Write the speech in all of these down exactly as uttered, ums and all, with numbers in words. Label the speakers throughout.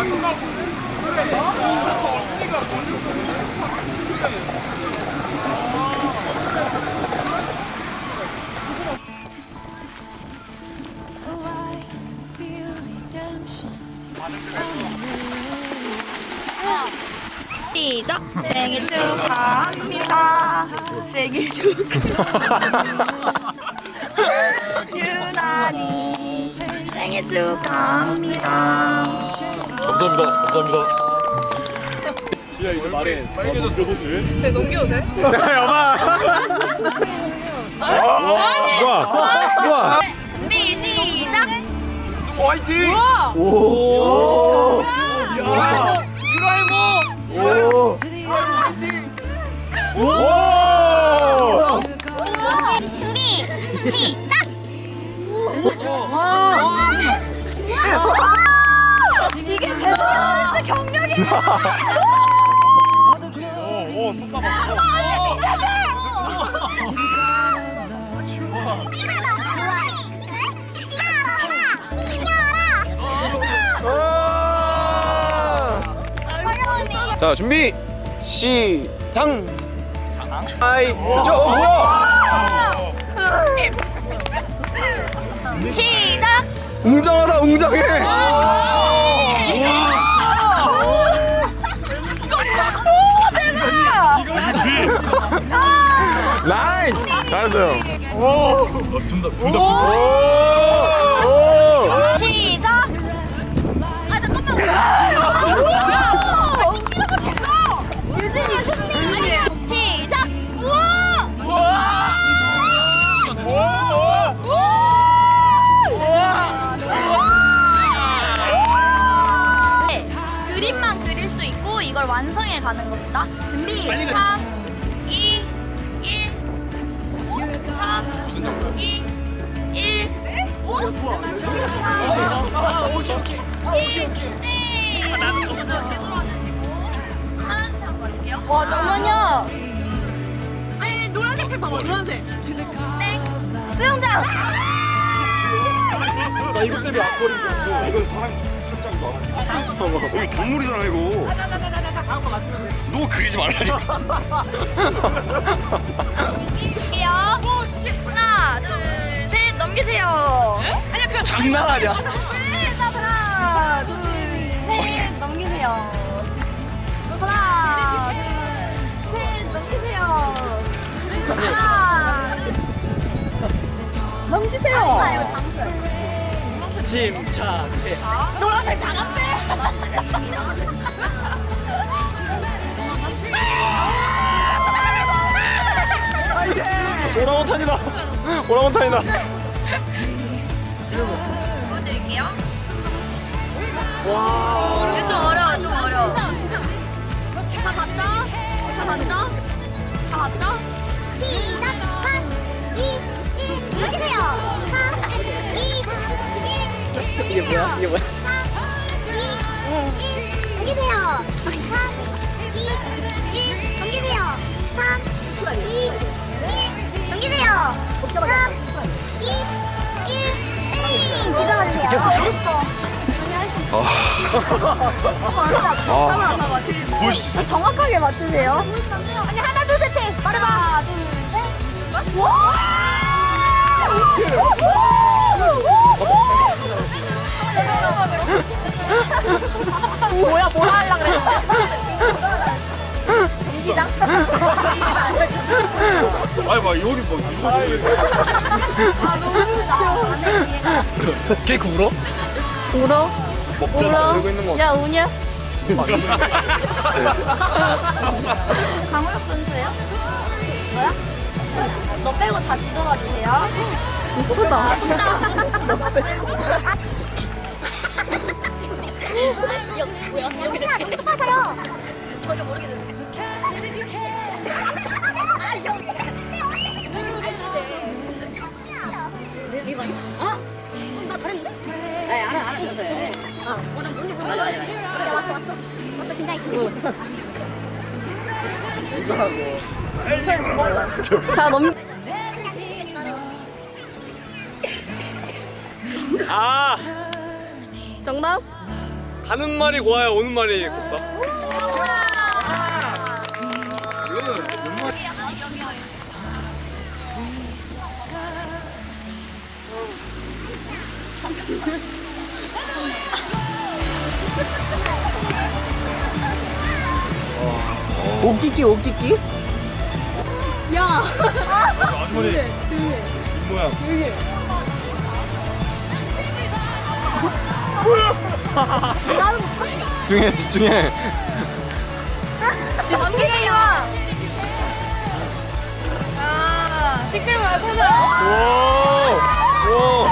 Speaker 1: 시작! 생일 축하합니다. 생일 축하합니다. 유난히 생일 축하합니다.
Speaker 2: 감사합니다. 감사합니다. 지야 이제 말해. 빨개졌어.
Speaker 3: 네, 넘겨도 돼?
Speaker 2: 여봐. 우와. 우와.
Speaker 1: 준비 시작!
Speaker 2: 화이팅.
Speaker 3: 오!
Speaker 2: 유라이모. 유라이모. 오. 오.
Speaker 1: 준비 시작! 이게 배우는 경력이
Speaker 2: 오, 손 봐봐. 자, 준비 시작. 아이, 저 어, 뭐야?
Speaker 1: 시작!
Speaker 2: 웅장하다, 웅장해. 나이스. 잘했어요. 오. 둘다 둘다. 오.
Speaker 1: 시작! 아 잠깐만. 유진이 승리. 시작! 네, 그림만 그릴 수 있고 이걸 완성해 가는 겁니다. 준비. 삼, 이, 일. 삼, 이, 일. 와 잠깐만요.
Speaker 3: 아니, 노란색 펜 봐봐, 노란색.
Speaker 1: 수영장.
Speaker 2: 나 이것 때문에 앞걸인 줄 알고. 이건 사람 수영장도 알아. 여기 동물이잖아 이거. 너 그리지 말라니까.
Speaker 1: 볼게요. 하나, 둘, 셋 넘기세요.
Speaker 3: 아니야, 그냥 장난하냐?
Speaker 1: 하나, 둘, 셋 넘기세요. 하나, 둘, 셋 넘기세요. 하나, 둘. 넘기세요. 장사요, 장사요.
Speaker 3: 침착해.
Speaker 1: 노란색 장았대.
Speaker 2: 오랑우탄이다. 오랑우탄이다.
Speaker 1: 보여드릴게요. 와. 이거 좀 어려워, 좀 어려워. 다 봤죠? 다 봤죠? 다 봤죠? 시작! 삼, 이, 일, 넘기세요! 삼, 이, 일,
Speaker 3: 이게 뭐야? 이게 뭐야?
Speaker 1: 삼, 이, 일, 넘기세요! 삼, 이, 일, 넘기세요! 삼, 이, 일, 넘기세요! 삼, 이, 일, 땡! 뒤돌아주세요.
Speaker 2: 보여줄 수 있어?
Speaker 1: 정확하게 맞추세요. 아니 하나 둘 셋 해. 말해봐. 하나 둘 셋. 와! 뭐야 뭐라 하려 그랬어? 경기장?
Speaker 2: 아니 막 여기 뭐 이거
Speaker 1: 아 너무 웃겨.
Speaker 2: 케이크 울어?
Speaker 1: 울어?
Speaker 2: 먹잖아. 울고 있는 거.
Speaker 1: 야 우냐? 강호혁 선수예요? 뭐야? 너 빼고 다 뒤돌아주세요. 이쁘다. 여기 뭐야? 여기 되게 맞아요. 전혀 모르겠는데. 아 여기. 어? 나 잘했는데? 네 알아 알아 들었어요. 어, 난 뭔지 모르겠어. 맞아 맞아. 왔어 왔어. 왔어 긴장이 크. 자 넘.
Speaker 2: 아.
Speaker 1: 정답?
Speaker 4: 가는 말이 고와야 오는 말이 곱다.
Speaker 3: 오끼끼 오끼끼?
Speaker 2: 아주머니 입모양
Speaker 1: 나는 못 봤어.
Speaker 2: 집중해 집중해
Speaker 1: 집중해요. 아, 티끌모아 찾아.
Speaker 2: 오!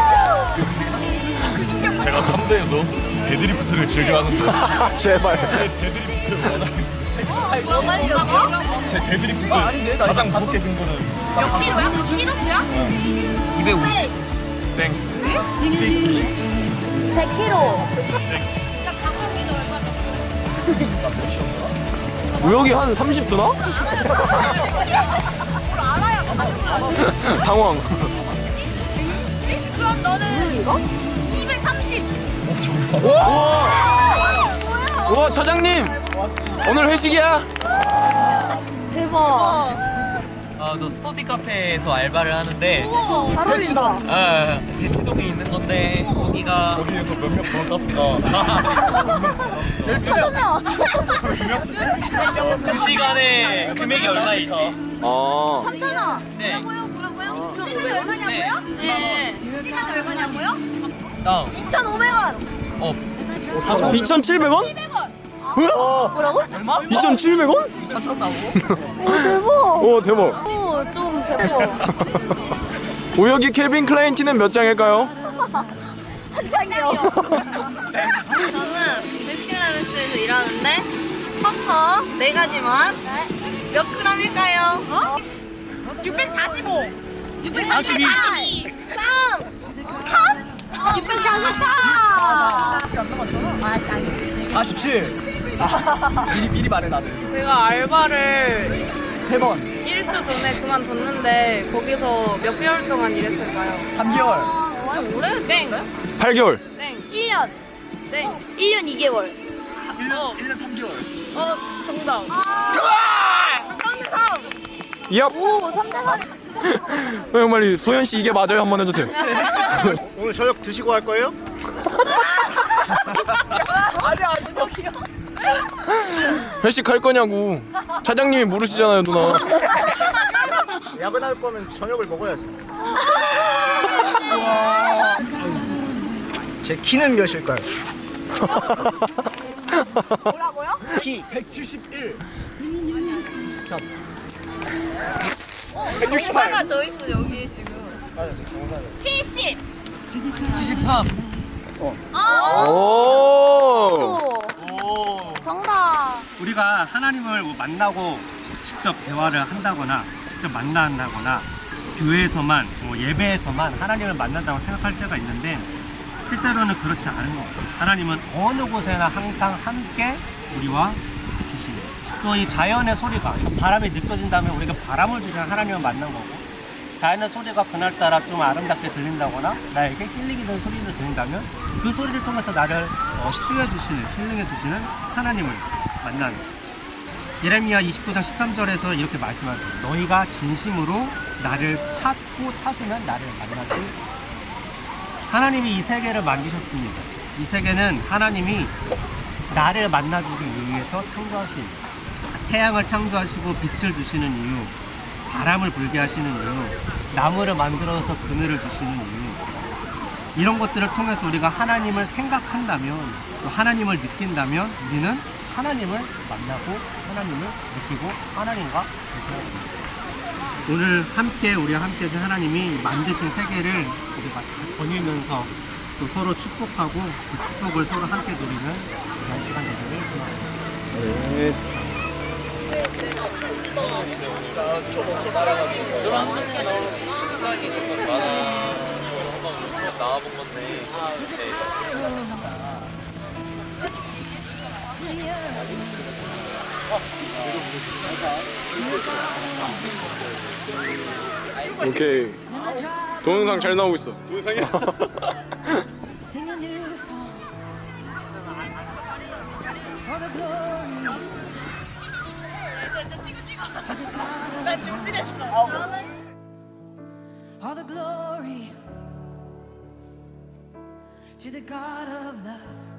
Speaker 2: 제가 삼 대에서 데드리프트를 즐겨하는데 제발 제 데드리프트를 원하는
Speaker 1: 뭐 말이라고?
Speaker 2: 제 데드리프트 가장 무겁게 든 거는
Speaker 3: 몇 킬로야? 킬로수야?
Speaker 2: 이백오십 땡
Speaker 1: 백 킬로그램.
Speaker 3: 우혁이 한 삼십 드나? 당황.
Speaker 1: 그럼 너는 이거? 이백삼십.
Speaker 3: 우와 차장님 오늘 회식이야?
Speaker 1: 대박.
Speaker 5: 아, 저 스터디 카페에서 알바를 하는데
Speaker 1: 잘 어울린다.
Speaker 5: 아, 대치동에 있는 건데 거기가
Speaker 2: 거기에서 몇 명 번호 땄을까
Speaker 1: 열두 명.
Speaker 5: 두 시간에 금액이 얼마일지.
Speaker 3: 아
Speaker 1: 삼천 원.
Speaker 5: 네.
Speaker 1: 뭐라고요? 시간이 얼마냐고요? 네. 시간이 얼마냐고요?
Speaker 5: 다음.
Speaker 1: 이천오백 원.
Speaker 5: 어.
Speaker 3: 이천칠백 원?
Speaker 1: 뭐라고?
Speaker 5: 얼마?
Speaker 3: 이천칠백 원?
Speaker 1: 오, 대박.
Speaker 3: 오 대박.
Speaker 1: 오, 좀 대박.
Speaker 3: 우혁이 켈빈 클라인 티는 몇 장일까요?
Speaker 1: 한 장이요. 저는 베스킨라빈스에서 일하는데 버터 네 가지만 몇 그램일까요? 어?
Speaker 3: 육백사십오.
Speaker 1: 육백사십이. 삼. 삼. 육백사십사.
Speaker 3: 사십칠. 미리 미리 말해 나는.
Speaker 6: 제가 알바를
Speaker 3: 세 번.
Speaker 6: 일 주 전에 그만뒀는데 거기서 몇 개월 동안 일했을까요?
Speaker 3: 삼 개월.
Speaker 6: 오래? 땡!
Speaker 3: 팔 개월.
Speaker 6: 땡!
Speaker 1: 일 년.
Speaker 6: 땡!
Speaker 1: 일 년 이 개월.
Speaker 3: 일 년 일 년 삼 개월.
Speaker 6: 어, 정답.
Speaker 1: 삼 대 삼.
Speaker 3: 얍.
Speaker 1: 오, 삼 대 삼.
Speaker 3: 형 빨리 소연 씨 이게 맞아요 한번 해주세요.
Speaker 2: 오늘 저녁 드시고 할 거예요?
Speaker 3: 회식 할 거냐고. 차장님이 물으시잖아요 누나.
Speaker 2: 야근할 거면 저녁을 먹어야지 제 키는 몇일까요?
Speaker 3: 뭐라고요?
Speaker 2: 키 백칠십일
Speaker 6: 정사가 저 있어, 여기 지금.
Speaker 1: 칠십.
Speaker 5: 칠십삼.
Speaker 3: 오.
Speaker 1: 정답.
Speaker 7: 우리가 하나님을 뭐 만나고 직접 대화를 한다거나 직접 만난다거나 교회에서만 뭐 예배에서만 하나님을 만난다고 생각할 때가 있는데 실제로는 그렇지 않은 것 같아요. 하나님은 어느 곳에나 항상 함께 우리와 계십니다. 또 이 자연의 소리가 바람이 느껴진다면 우리가 바람을 주시는 하나님을 만난 거고 자연의 소리가 그날따라 좀 아름답게 들린다거나 나에게 힐링이 되는 소리를 들린다면 그 소리를 통해서 나를 어, 치유해주시는 힐링해주시는 하나님을 만나는 거예요. 예레미야 이십구 장 십삼 절에서 이렇게 말씀하세요. 너희가 진심으로 나를 찾고 찾으면 나를 만나지. 하나님이 이 세계를 만드셨습니다. 이 세계는 하나님이 나를 만나주기 위해서 창조하신, 태양을 창조하시고 빛을 주시는 이유, 바람을 불게 하시는 이유, 나무를 만들어서 그늘을 주시는 이유, 이런 것들을 통해서 우리가 하나님을 생각한다면, 또 하나님을 느낀다면 우리는 하나님을 만나고 하나님을 느끼고 하나님과 교제합니다. 오늘 함께 우리와 함께 하신 하나님이 만드신 세계를 우리가 잘 거닐면서 또 서로 축복하고 그 축복을 서로 함께 누리는 그런 시간 되기를 소망합니다.
Speaker 5: 나와본 건데.
Speaker 3: 오케이. 동영상 잘 나오고 있어.
Speaker 2: 동영상이야?
Speaker 8: 나 준비됐어.
Speaker 1: 저는
Speaker 9: All the glory to the God of love.